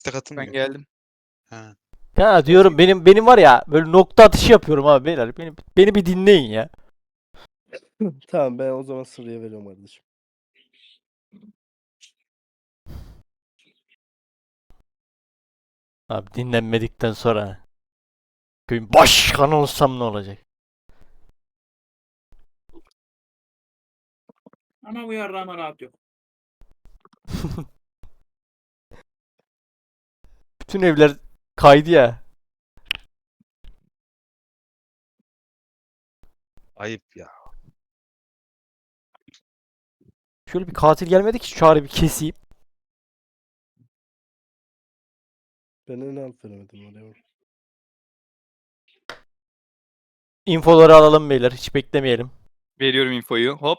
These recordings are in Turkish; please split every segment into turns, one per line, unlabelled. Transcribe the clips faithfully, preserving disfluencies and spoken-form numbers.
İşte
Ben
katılmıyor.
geldim.
Ha.
Ya diyorum benim benim var ya böyle nokta atışı yapıyorum abi beyler. Beni, beni bir dinleyin ya.
Tamam ben o zaman Sırrı'ya veriyorum kardeşim.
Abi dinlenmedikten sonra köyün başkanı olsam ne olacak?
Ama bu yarrağıma rahat yok.
Bütün evler kaydı ya.
Ayıp ya.
Şöyle bir katil gelmedi ki şu Çağrı bir keseyim.
Ben en alt veremedim oraya.
İnfoları alalım beyler hiç beklemeyelim.
Veriyorum infoyu. Hop.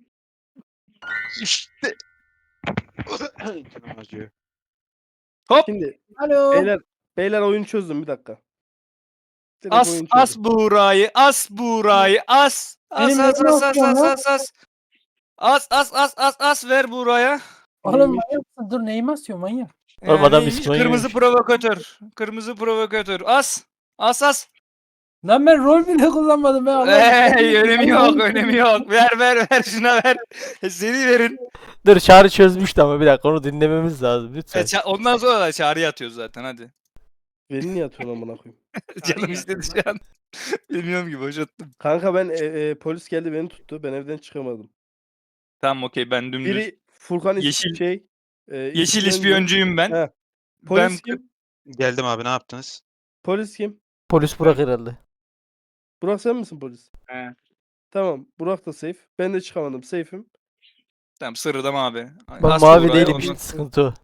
İşte. Canım acıyor.
Hop.
Şimdi
Alo.
beyler beyler oyunu çözdüm bir dakika. Direkt
As
oyunu
as
çözdüm.
Buğra'yı. As Buğra'yı. As. As
Benim
as
neyim
as as
yok
as
ya?
as as. As as as as as ver Buğra'ya.
Oğlum
Neymiş?
manyaksın. Dur neyimi asıyor manyak.
Oğlum
Ee,
adam
neymiş?
İspanyol
Kırmızı
yemiş.
provokatör. Kırmızı provokatör. As. As as.
Lan ben rol bile kullanmadım ben Allah'ım.
Hey, önemi yok, önemi yok. Ver ver ver şuna ver. Seni verin.
Dur Çağrı çözmüştü ama bir dakika onu dinlememiz lazım
E,
lütfen.
ça- ondan sonra da çağrı atıyoruz zaten hadi.
Beni niye atıyorsun amına koyayım?
Canım istedi şu an. Bilmiyorum ki boşalttım.
Kanka ben e, e, polis geldi beni tuttu. Ben evden çıkamadım.
Tamam okey ben dümdüz.
Biri Furkan is-
Yeşil-
şey e,
Yeşil
ispiyoncu.
ispiyoncuyum ben.
He. Polis
Ben
kim?
Geldim abi ne yaptınız?
Polis kim?
Polis Burak herhalde.
Burak sen misin polis?
He.
Tamam. Burak da safe. Ben de çıkamadım. Safe'im.
tamam sırrıdam abi.
Ben
As
mavi
Buğra'ya,
değilim
ondan-
işte sıkıntı o.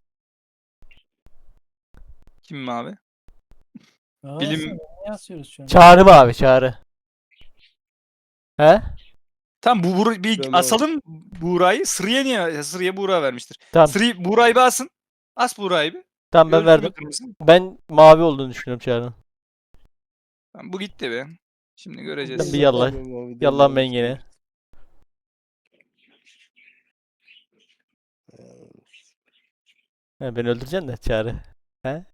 Kim mavi?
Aa,
Bilim-
sen ne asıyoruz şu an?
Çağrı mavi Çağrı. He?
Tamam bu Buğra- bir
Ben mavi.
asalım Buğra'yı. Sırıya niye? Sırıya Buğra vermiştir.
Tamam.
Sırı Buğra'yı bir asın. As Buğra'yı bir.
Tamam ben
Görsün
verdim.
bakır mısın?
Ben mavi olduğunu düşünüyorum Çağrı'nın.
Tamam, bu gitti be. Şimdi
Ben
göreceğiz.
bir yallah.
Mavi, mavi değil,
Yallah
mavi
ben
değil.
gene. He, beni öldüreceksin de Çağrı. He?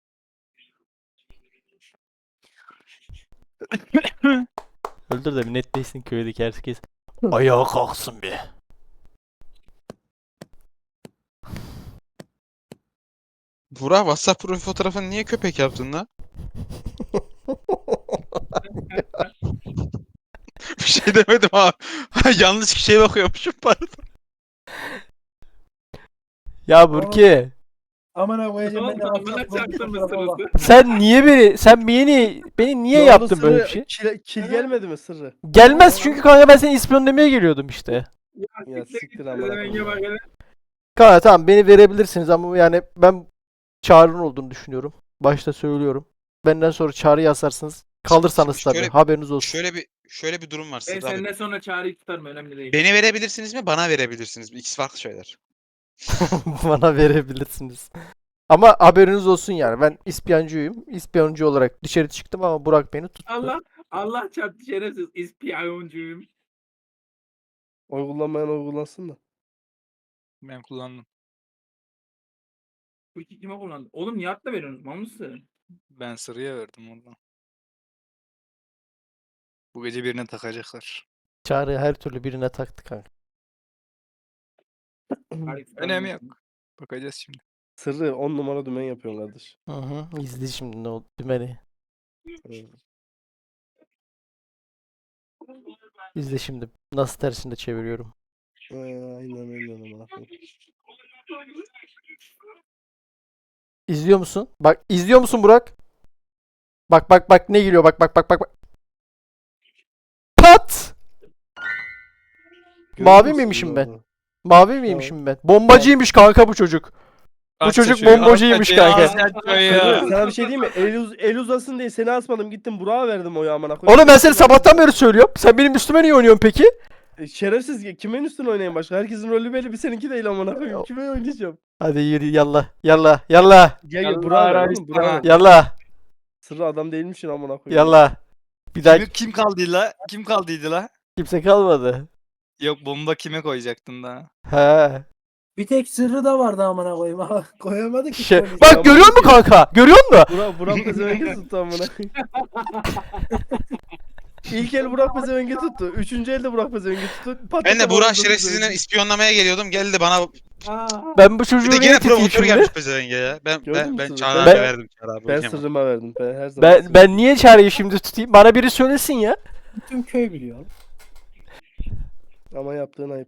Öldür de bir netleşsin köydeki herkes. Ayağa kalksın bir.
Burak WhatsApp profil fotoğrafını niye köpek yaptın lan? Bir şey demedim abi. Yanlış kişiye bakıyormuşum pardon.
Ya Burki,
Amına koyacağım ben de
Tamam,
WhatsApp
bana çarptın mı
fotoğrafı bak.
sırası?
sen niye beni, sen beni, beni niye
Ne oldu
yaptın böyle bir
Sırrı?
şey?
Kil, kil gelmedi mi Sırrı?
Gelmez çünkü kanka ben seni ispiyonlamaya geliyordum işte.
Ya siktir
git,
amına
demenge
koyayım.
bak hele.
Kanka tamam beni verebilirsiniz ama yani ben Çağrı'nın olduğunu düşünüyorum. Başta söylüyorum. Benden sonra Çağrı'yı asarsınız. Kalırsanız
Şöyle-
tabii haberiniz olsun.
Şöyle bir şöyle bir durum var
Ben
Sırrı abi.
senden sonra çağrıyı tutarım önemli değil.
Beni verebilirsiniz mi? Bana verebilirsiniz mi? İkisi farklı şeyler.
Bana verebilirsiniz. Ama haberiniz olsun yani. Ben ispiyoncuyum. İspiyoncu olarak dışarı çıktım ama Burak beni tuttu.
Allah Allah çarptı şerefsiz ispiyoncuyum.
Oy kullanmayan oy kullansın da.
Ben kullandım.
Bu iki kime kullandı? Oğlum Nihat da veriyorsunuz. Mal mısın?
Ben sırıya verdim ondan. Bu gece birine takacaklar.
Çağrı her türlü birine taktı kanka.
Hayır,
Önemi
tamam.
yok. Bakacağız şimdi.
Sırrı on numara dümen yapıyorsun kardeş.
Hı hı. İzle şimdi ne oldu dümeni.
Evet.
İzle şimdi. Nasıl tersinde çeviriyorum.
Ee, aynen aynen amına koyayım.
İzliyor musun? Bak izliyor musun Burak? Bak bak bak ne geliyor bak bak bak bak. bak. Pat! Mavi
Görüyor
miymişim
musun
ben?
orada?
Mavi miymişim ben? Bombacıymış kanka bu çocuk. Bu
Aç
çocuk
saçıyor,
bombacıymış
aç saçıyor,
kanka.
aç saçıyor.
Sırrı, sana bir şey diyeyim mi? El, uz el uzasın diye seni asmadım. Gittim Burak'a verdim oyu amına koyayım.
Oğlum ben seni sabahtan beri söylüyorum. Sen benim üstüme niye oynuyorsun peki?
E, Şerefsiz kimin üstüne oynayayım başka? Herkesin rolü belli bir seninki değil amına koyayım. Kime oynayacağım?
Hadi yürü yallah. Yallah. Yallah.
Gel gel
Yallah
Burak'a ver
Arabistan
oğlum Burak'a
ha.
ver.
Yallah.
Sırrı adam değilmişsin amına koyayım.
Yallah. Bir daha
Kimi- kim kaldıydı la? Kim kaldıydı la?
kimse kalmadı.
Yok bomba kime koyacaktın daha?
He.
Bir tek sırrı da vardı amına koyayım. Ama koyamadı ki.
Şey,
polis.
bak görüyor musun kanka? Görüyor musun?
Burak, Burak Pezevenk'i tuttu amına koyayım. İlk el Burak Pezevenk'i tuttu. Üçüncü elde Burak Pezevenk'i tuttu. Pat
Ben de
pat
Burak
pat
şerefsizini
Pezevenk'i.
ispiyonlamaya geliyordum. Geldi bana.
Aa,
Ben bu
Bir
çocuğu
de
niye
gene
tutayım
provokatör
şimdi?
gelmiş pezevenge ya. Ben
Gördün
ben
mü
ben
sırrı?
Çağrı
Ben-
abiye verdim Çağrı abi.
Ben
okuyamam.
sırrıma verdim. Ben her zaman
Ben
sırrıma.
ben niye çağrıyı şimdi tutayım? Bana biri söylesin ya.
Bütün köy biliyor.
Ama yaptığın ayıp.